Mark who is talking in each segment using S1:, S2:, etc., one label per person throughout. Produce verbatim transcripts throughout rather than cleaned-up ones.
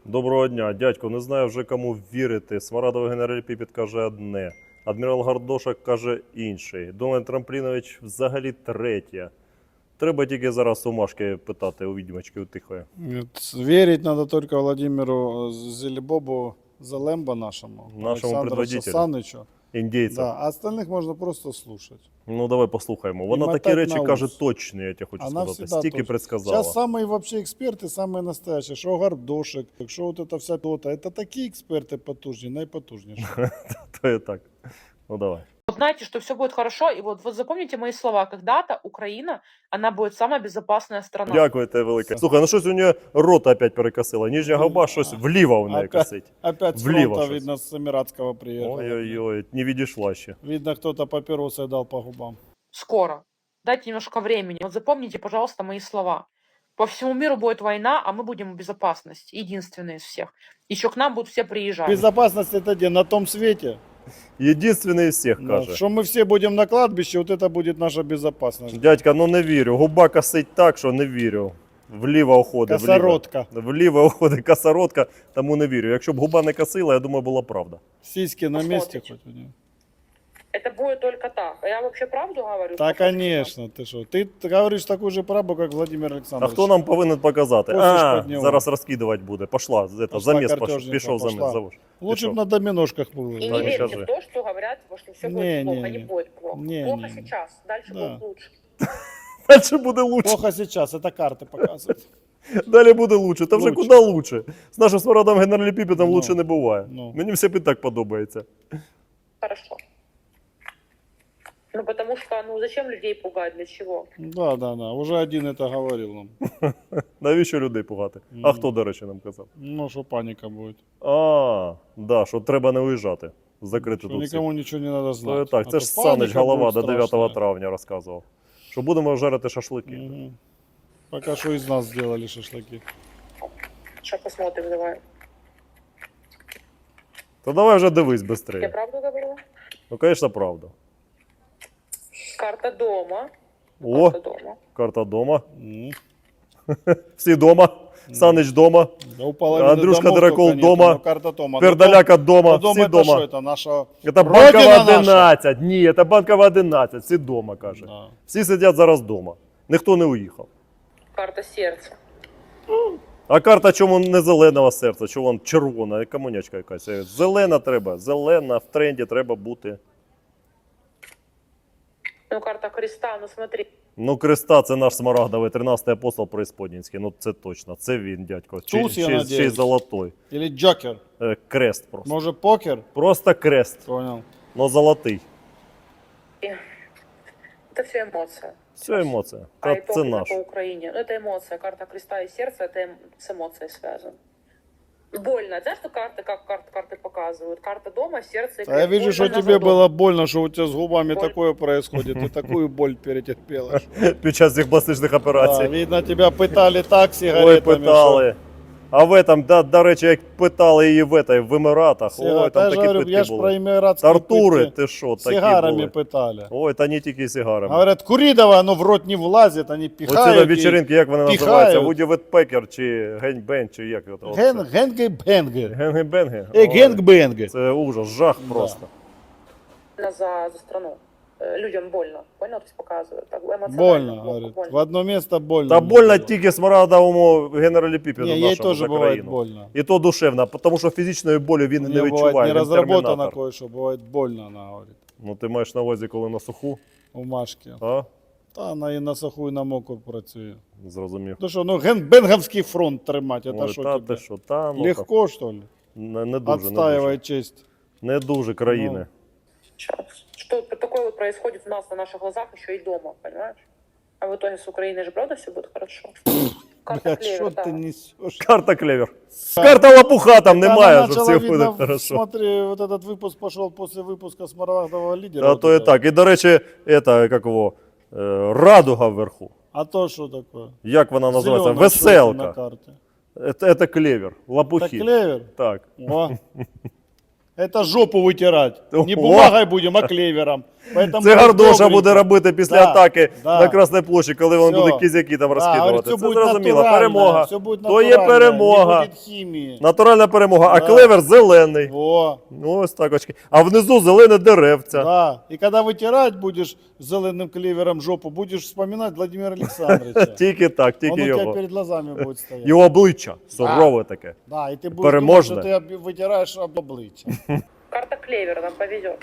S1: Доброго дня, дядько, не знаю вже кому вірити. Смарадовий генерал Піпіт каже одне, адмірал Гардошак каже інший, Дональд Трамплінович взагалі третє. Треба тільки зараз у Машки питати, у відьмачки, у Тихої.
S2: Верить надо только Владимиру Зелебобу Залембо нашему,
S1: Нашему
S2: Александру
S1: предводителю.
S2: Санычу.
S1: Індійця.
S2: Да, а остальных можно просто слушать.
S1: Ну давай послухаємо.
S2: І
S1: Вона такі
S2: мотать
S1: речі
S2: на
S1: каже
S2: ус.
S1: точні, я тебе хочу
S2: Она
S1: сказати.
S2: всегда
S1: Стільки
S2: точно.
S1: предсказала.
S2: Сейчас самые вообще эксперты, самые настоящие. Что Гардошек, что вот это вся то-то. Это такие эксперты потужнее, наипотужнейшие.
S1: То і так. Ну давай.
S3: Вот знаете, что все будет хорошо, и вот, вот запомните мои слова. Когда-то Украина, она будет самая безопасная страна.
S1: Дякую тебе велике. Слухай, ну щось у нього рота опять перекосила. Нижня губа щось вліво у неї
S2: Опять,
S1: косить.
S2: опять с
S1: Влево
S2: фронта,
S1: щось.
S2: видно, с Эмиратского приехал.
S1: Ой-ой-ой, не відійшла ще.
S2: Видно, кто-то папиросы дал по губам.
S3: Скоро. Дайте немножко времени. Вот запомните, пожалуйста, мои слова. По всему миру будет война, а мы будем в безопасности. Единственные из всех. Еще к нам будут все приезжать.
S2: Безопасность это где? На том свете.
S1: Єдинственний із всіх,
S2: Да,
S1: каже.
S2: что мы все будем на кладбище, вот это будет наша безопасность.
S1: Дядька, ну не вірю. Губа косить так, що не вірю. Вліво уходить.
S2: Косоротка.
S1: Вліво, вліво уходить косоротка, тому не вірю. Якщо б губа не косила, я думаю, була правда.
S2: Сиськи на месте
S3: Посмотрите.
S2: хоть у нее.
S3: Это будет только так. А я вообще правду говорю?
S2: Да, конечно, ты что? Ты говоришь такую же правду, как Владимир
S1: А
S2: Александрович.
S1: хто нам повинен показати?
S2: Ось ж
S1: А,
S2: під нього.
S1: зараз розкидувати буде. Пошла, это,
S2: Пошла
S1: заміс пошов,
S2: картежниця,
S1: пішов
S2: пошла.
S1: заміс. Завож.
S2: Лучше
S1: Ты
S2: бы
S1: шо?
S2: на доминошках
S3: И
S2: было.
S1: Да,
S3: не
S1: не
S3: верьте
S1: скажи.
S3: в то, что говорят, что все будет
S2: Не,
S3: плохо.
S2: не,
S3: Не
S2: не.
S3: будет плохо.
S2: Не,
S3: плохо
S2: не, не.
S3: сейчас, дальше
S2: Да.
S3: будет лучше.
S1: Далі буде лучше.
S2: Плохо сейчас, это карты показывают.
S1: Далі буде лучше. Та вже
S2: Лучше.
S1: куди лучше? З нашим смарадом генералі Піпітом
S2: Ну,
S1: лучше не буває.
S2: ну.
S1: Мені все і так подобається.
S3: Хорошо. Ну, потому что, ну, зачем людей пугать, для чего?
S2: Да, да, да. Уже один это говорил нам.
S1: Навіщо людей пугати? А
S2: Мгм.
S1: хто, до речі, нам казав?
S2: Ну, что паника будет.
S1: А, да, що треба не уїжджати. Закрити
S2: Что
S1: тут всіх.
S2: никому ничего не надо
S1: То
S2: знать.
S1: і так,
S2: А
S1: це
S2: то
S1: ж
S2: паника
S1: Санич голова
S2: будет
S1: до дев'ятого
S2: страшная.
S1: травня розказував. Що будемо жарити шашлики.
S2: Мгм. Пока что из нас сделали шашлыки.
S3: Сейчас посмотрим, давай.
S1: То давай вже дивись
S3: Я
S1: швидше.
S3: правду говорю?
S1: Ну, звісно, правда.
S3: Карта дома.
S1: О,
S3: Карта дома.
S1: карта дома.
S2: М.
S1: Всі дома. Санич дома.
S2: Да у половины
S1: Андрюшка
S2: домов
S1: Дракол
S2: только нету,
S1: дома.
S2: но карта дома.
S1: Пердаляка дома.
S2: Ну, дом
S1: Всі
S2: это
S1: дома.
S2: что? Это наша
S1: Це
S2: Родина
S1: банкова
S2: наша.
S1: одинадцять. Ні, це банкова одинадцять. Всі дома, каже.
S2: Да.
S1: Всі сидять зараз дома. Ніхто не уїхав.
S3: Карта сердца.
S1: А карта чому не зеленого серця, чому вон червона, комунячка якась. Зелена треба, зелена, в тренді треба бути.
S3: Ну, карта креста, ну смотри.
S1: Ну, Креста це наш смарагдовий, тринадцятий апостол Преисподнінський. Ну це точно, це він, дядько. Чи,
S2: Туз, я
S1: ще, ще й
S2: надіюсь.
S1: золотой.
S2: Или Джокер.
S1: Е, Крест просто.
S2: Может, покер?
S1: Просто крест,
S2: Понял.
S1: но золотий.
S3: Это все эмоция.
S1: Все емоція.
S3: А
S1: Та
S3: итог
S1: це
S3: именно
S1: наш.
S3: по Украине. Ну, это эмоция. Карта креста и сердца, это эм- с эмоцией связано. Больно. Знаешь, что карты, как карты, карты показывают? Карта дома, сердце и
S2: А я
S3: крест.
S2: вижу,
S3: Больно
S2: что
S3: на
S2: тебе
S3: задом.
S2: было больно, что у тебя с губами
S3: Боль.
S2: такое происходит. Ты такую боль перетерпела.
S1: Під час цих пластичних
S2: Да,
S1: операцій.
S2: видно, тебя пытали так
S1: Ой,
S2: сигаретами.
S1: питали. А в этом, да, до речі, як питали її в, этой, в Еміратах,
S2: что-
S1: ой,
S2: Я
S1: там
S2: же
S1: такі
S2: говорю,
S1: питки
S2: я ж про
S1: були.
S2: эмиратские
S1: Тартури,
S2: пытки
S1: ти що, такі
S2: сигарами
S1: були.
S2: пытали.
S1: Ой, та не тільки сигарами.
S2: Говорят, кури давай, оно в рот не влазит, они
S1: Оці на
S2: пихают. и-
S1: вечеринки, як вони
S2: пихають.
S1: називаються? Вуді Ветпекер чи Гень-Бен, чи як це?
S2: Ген, генги-бенги.
S1: Генги-бенги?
S2: Э,
S1: Ой,
S2: генг-бенги.
S1: Це ужас, жах
S2: Да.
S1: просто.
S3: За, за страну. Э, Людям больно. Больно, то есть показывают. Так, эмоционально
S2: Больно,
S3: плохо,
S2: говорит.
S3: больно.
S2: В одно место больно.
S1: Та
S2: мне
S1: больно
S2: было.
S1: тільки смарагдовому генералі Піпіну
S2: Не, ей
S1: нашому
S2: тоже
S1: за
S2: бывает
S1: країну.
S2: больно.
S1: І то душевно, тому що фізичної болі він
S2: У
S1: не
S2: нее бывает
S1: відчуває,
S2: не
S1: він
S2: разработано
S1: термінатор.
S2: кое-что, бывает больно, она говорит.
S1: Ну ти маєш на увазі, коли на суху,
S2: У Машки.
S1: а?
S2: Та вона і на суху, і на мокру працює.
S1: Зрозумів.
S2: Ну що, ну генбенговський фронт тримати, це
S1: Ой,
S2: що
S1: та
S2: тебе?
S1: ти що, та, ну,
S2: Легко, что ли?
S1: Не, не дуже, не
S2: Отстаивай
S1: дуже.
S2: честь.
S1: Не дуже країни.
S3: Сейчас. Что такое вот происходит у нас на наших глазах еще и дома, понимаешь? А в итоге с Украиной же правда все будет хорошо? Карта
S2: Блядь,
S3: клевер,
S2: що
S3: да.
S2: ти несеш?
S1: Карта клевер. Карта лопуха там немає, що все буде
S2: видно,
S1: хорошо.
S2: смотри, вот этот выпуск пошел после выпуска Смарагдового лидера.
S1: А
S2: вот
S1: то і
S2: этого.
S1: так. І, до речі, это, як його, е, радуга вверху.
S2: А то что такое?
S1: Як вона називається?
S2: Зелёное что это на
S1: Веселка.
S2: карте.
S1: Это, это клевер,
S2: Это
S1: лопухи.
S2: клевер?
S1: Так.
S2: О, Это жопу вытирать. Не
S1: Ого.
S2: бумагой будем, а клевером. Поэтому
S1: Це Гардоша
S2: добренько.
S1: буде робити після
S2: Да,
S1: атаки
S2: да.
S1: на Красній площі, коли він
S2: Всё.
S1: буде кізяки там
S2: Да,
S1: розкидувати.
S2: говорит,
S1: Це
S2: все будет
S1: зрозуміло.
S2: натурально,
S1: Перемога.
S2: все будет
S1: То є
S2: натурально,
S1: перемога.
S2: Не будет химии.
S1: Натуральна перемога, а
S2: Да.
S1: клевер зелений.
S2: Во.
S1: Ну, ось так очки. А внизу зелене деревця.
S2: Да. И когда вытирать будешь зеленым клевером жопу, будешь вспоминать Владимира Александровича.
S1: Тільки так,
S2: Он
S1: тільки
S2: у тебя
S1: його.
S2: перед глазами будет стоять.
S1: Його обличчя сурове таке.
S2: Да, и ты будешь
S1: Переможне.
S2: думать, что ты об- вытираешь об обличье.
S3: Карта клевера, нам повезет.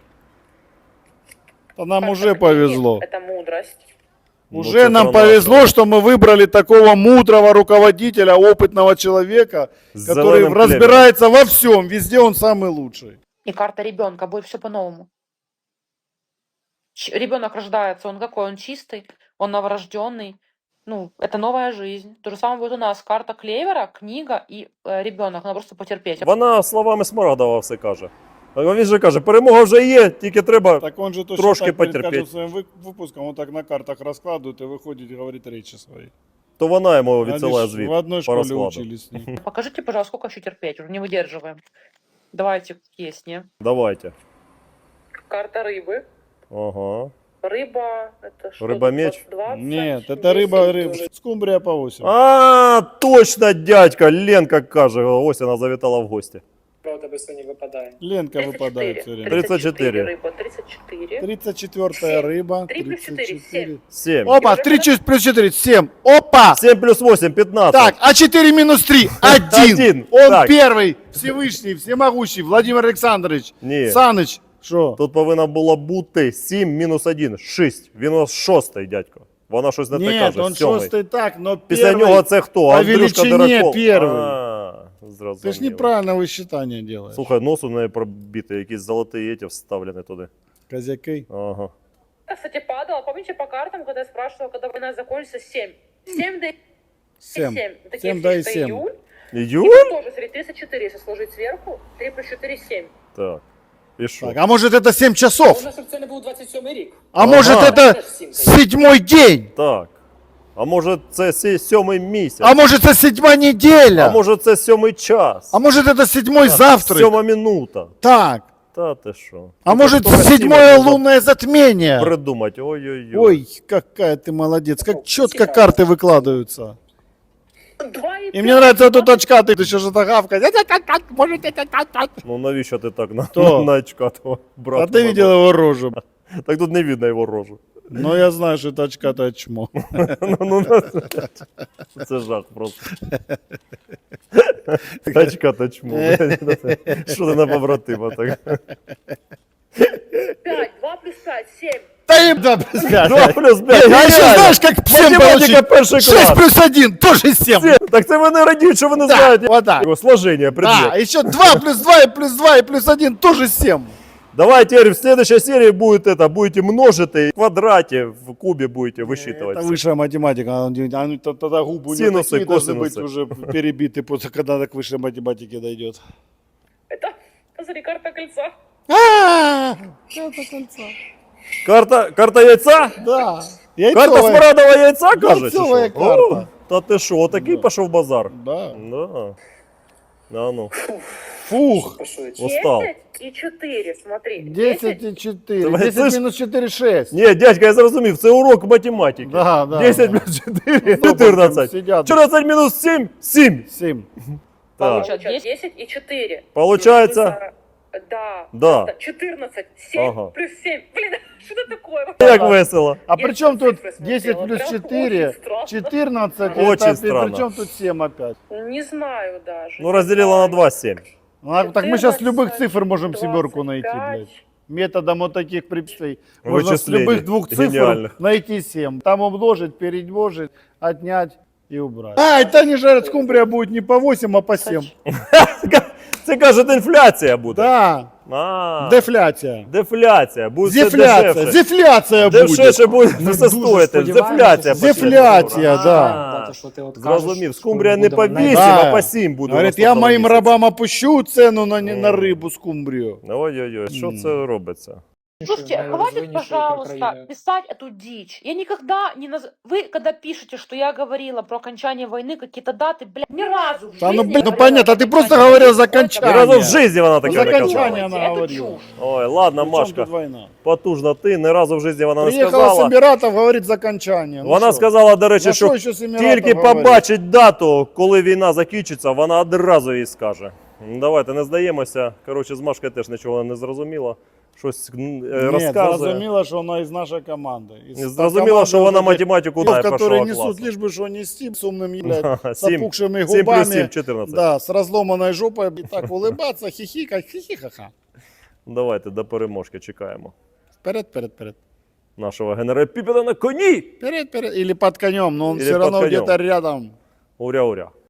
S2: То нам уже повезло.
S3: Это мудрость.
S1: Ну,
S2: Уже
S1: це
S2: нам
S1: про нас.
S2: повезло, что мы выбрали такого мудрого руководителя, опытного человека,
S1: З
S2: который
S1: зеленим клевером.
S2: разбирается во всем, везде он самый лучший.
S3: И карта ребенка, будет все по-новому. Ребенок рождается, он какой? Он чистый, он новорожденный. Ну, это новая жизнь. То же самое будет у нас. Карта клевера, книга и э, ребенок. Надо просто потерпеть.
S1: Вона словами Смарагдова все каже. А він же каже, перемога вже є, тільки треба.
S2: Так он же точно
S1: Трошки
S2: так перед
S1: потерпеть.
S2: каждым своим вы- выпуском, он так на картах раскладывает и выходит и говорит речи свои.
S1: То вона йому
S2: Они
S1: відсилає
S2: ж
S1: звіт.
S2: в одной
S1: по
S2: школе
S1: розкладу.
S2: учились с ним.
S3: Покажите, пожалуйста, сколько еще терпеть. Уже не выдерживаем. Давайте, есть, не?
S1: Давайте.
S3: Карта рыбы.
S1: Ага.
S3: Рыба, это что?
S1: Рыба-меч?
S3: двадцать,
S2: Нет, это рыба, рыба. Скумбрия по восемь.
S1: А, точно, дядька, Ленка каже. Ось вона завітала в гості.
S4: Правда, без не випадає.
S2: Ленка
S3: тридцать
S2: выпадает
S3: четыре.
S2: все время.
S1: тридцать четыре.
S3: Рыба, тридцать четыре.
S2: тридцать четвертая рыба.
S3: Три плюс четыре,
S2: тридцать четыре.
S1: сім.
S2: Опа, три плюс четыре, семь. Опа!
S1: сім плюс вісім, п'ятнадцять.
S2: Так, а четыре минус три, один.
S1: Один.
S2: Он
S1: Так.
S2: первый, Всевышний, всемогущий, Владимир Александрович.
S1: Ні.
S2: Саныч, что?
S1: Тут повинно було бути сім мінус один, шість. Він у нас шостий, дядько. Вона щось не те
S2: Нет,
S1: каже,
S2: он
S1: сьомий.
S2: шостый так, но
S1: Після
S2: первый...
S1: нього це хто?
S2: по
S1: Андрюшка
S2: величині
S1: Дураков.
S2: первий.
S1: А,
S2: Ты ж
S1: зрозуміло.
S2: неправильно высчитание делаешь.
S1: Слухай, нос у неї пробитий, якісь золоті еті вставлені туди.
S2: Козяки.
S1: Ага.
S3: Кстати, падала. Помните по картам, когда я спрашивала, когда война закончится, семь. семь до
S2: Семь.
S3: семь. Такие
S2: Семь, да и
S3: что
S2: семь.
S3: июль.
S1: Июль?
S3: И тоже, смотри, тридцать четыре, если сложить сверху. три плюс четыре, семь.
S1: Так. І що?
S2: Так, а может это семь
S4: А
S2: часов?
S4: у нас щоб це не був двадцять сьомий рік.
S2: А может
S1: Ага.
S2: это седьмой день?
S1: Так. А може це сі- сьомий місяць?
S2: А может это седьмая неделя?
S1: А може це сьомий час?
S2: А может это седьмой завтрак?
S1: Сьома минута.
S2: Так.
S1: Та ти що?
S2: А
S1: Ну,
S2: может
S1: то красиво
S2: седьмое
S1: можна
S2: лунное затмение?
S1: Придумать. Ой-ой-ой.
S2: Ой, какая ты молодец. Как четко карты выкладываются.
S3: Два и
S2: И мне нравится тут очка, ты еще что-то гавкать. Может это...
S1: Ну навіщо ти так на,
S2: Хто?
S1: на очка того брата?
S2: А ты видел его рожу?
S1: Так тут не видно його рожу.
S2: Ну, я знаю, что это очка-то чмо.
S1: Ну, ну, ну, це жах просто. Очка та чмо. Що ти на побратима так?
S3: пять. два плюс пять, семь.
S2: Да им да, без пять.
S1: Два плюс п'ять.
S2: А еще знаешь, как семь
S1: Математика
S2: получить?
S1: перший
S2: шесть
S1: клас.
S2: плюс один, тоже семь.
S1: Сім. Так це вони радіють, що вони
S2: Да,
S1: знають
S2: вот так.
S1: його сложення
S2: Да,
S1: предмет.
S2: еще два плюс два и плюс два и плюс один тоже семь.
S1: Давай теперь в следующей серии будет это, будете множить, в квадрате, в кубе будете высчитывать.
S2: Это высшая математика. а он- а ну, т- Тогда губы у него
S1: Синусы,
S2: такие должны быть
S1: косинусы.
S2: уже перебиты, после, когда до к высшей математике дойдет.
S3: Это, смотри, карта кольца.
S2: А, это кольцо.
S1: Карта, карта яйца?
S2: Да.
S1: Карта
S2: Яйцовая.
S1: смарадового яйца, кажеш? чи
S2: Яйцовая
S1: що?
S2: карта.
S1: О, та ти що, отакий
S2: Да.
S1: пішов базар?
S2: Да.
S1: Да. А ну,
S2: Фух.
S4: Пошується.
S1: устал.
S3: десять и четыре, смотри.
S2: десять и четыре.
S1: Давай,
S2: десять
S1: слышь.
S2: минус четыре, шесть.
S1: Ні, дядька, я зрозумів, це урок математики.
S2: Да, да,
S1: десять
S2: да.
S1: плюс чотири,
S2: Ну,
S1: чотирнадцять.
S2: сидят.
S1: чотирнадцять мінус сім, сім.
S2: семь.
S1: Так.
S3: Получается десять и четыре.
S1: Получается?
S3: Да.
S1: Да.
S3: Это четырнадцать, семь
S1: Ага.
S3: плюс семь. Блин, что это такое?
S1: Як весело.
S2: А
S3: Я
S2: при чем
S3: цифры
S2: тут
S3: смотрела,
S2: десять плюс
S3: прям
S2: четыре?
S3: очень странно.
S2: четырнадцать.
S1: Очень
S2: это,
S1: странно.
S2: При чем тут семь опять?
S3: Не знаю даже.
S1: Ну, разделила на два, семь.
S2: Ну, а так мы сейчас с любых
S3: четырнадцать,
S2: цифр можем
S3: двадцать
S2: семерку найти,
S3: пять.
S2: блядь. Методом вот таких препятствий. Можно с
S1: Вычислений
S2: любых двух цифр
S1: гениальных.
S2: найти семь. Там умножить, перемножить, отнять и убрать. А, это они жарят скумбрия будет не по восемь, а по семь.
S1: Це, кажуть, інфляція буде.
S2: Да,
S1: А,
S2: дефляция.
S1: дефляція. Буде все
S2: Дефляция,
S1: дешевше.
S2: дефляция будет.
S1: Дешевше буде
S5: Ми
S1: все
S5: дуже
S1: стоїти.
S5: сподіваємося,
S1: Дефляція.
S5: що-
S1: почне.
S2: Дефляція,
S1: А,
S2: да.
S5: Дати, що ти от кажеш,
S1: Зрозумів.
S5: що
S1: Скумбрія
S5: ми
S1: не по
S5: будемо
S1: вісім,
S2: Да.
S1: а по сім буде.
S2: Говорит,
S1: у
S2: я
S1: наступному
S2: моим
S1: місяці.
S2: рабам опущу цену на, не- на
S1: Мгм.
S2: рыбу скумбрию.
S1: Ой-ой-ой, що це робиться?
S3: Слушайте, хватит, пожалуйста, писать эту дичь. Я никогда не наз... Вы, когда пишете, что я говорила про окончание войны, какие-то даты, блядь, ни разу в
S2: Да ну,
S3: жизни
S2: блин, ну
S3: говорила
S2: понятно,
S3: про
S2: ты просто
S3: окончание
S2: говорил
S3: войны.
S2: за
S3: Это
S1: Ні
S2: окончання.
S1: разу в житті вона таке
S2: За
S1: не
S2: окончання
S1: казала.
S2: вона
S3: Это
S2: говорила.
S3: чушь.
S1: Ой, ладно,
S2: При чому
S1: Машка,
S2: тут війна?
S1: потужна ти, ні разу в житті вона не
S2: Приїхала з
S1: сказала.
S2: Еміратів, говорить за окончання. Ну
S1: Вона
S2: що?
S1: сказала, до речі,
S2: За
S1: що
S2: що ще з Еміратів
S1: тільки
S2: говорить?
S1: побачить дату, коли війна закінчиться, вона одразу їй скаже. Ну, давайте не здаємося. Коротше, з Машкою теж нічого не зрозуміло. Щось м, е,
S2: Ні,
S1: розказує.
S2: зрозуміло, що вона із нашої команди. Із
S1: Зрозуміло, що вона математику знає
S2: которые
S1: першого
S2: несут,
S1: класу.
S2: лишь бы что нести, с умными, блядь, с
S1: Сім-
S2: опухшими
S1: сім плюс сім,
S2: губами,
S1: чотирнадцять.
S2: да, с разломанной жопой, и так улыбаться, хихикать, хихихаха.
S1: Давайте до переможки чекаємо.
S2: Вперед, вперед, вперед.
S1: Нашого генерала Піпіда на коні!
S2: Вперед, вперед. Или под конем, но он
S1: Или
S2: все
S1: под
S2: равно
S1: конем.
S2: где-то рядом.
S1: Уря-уря.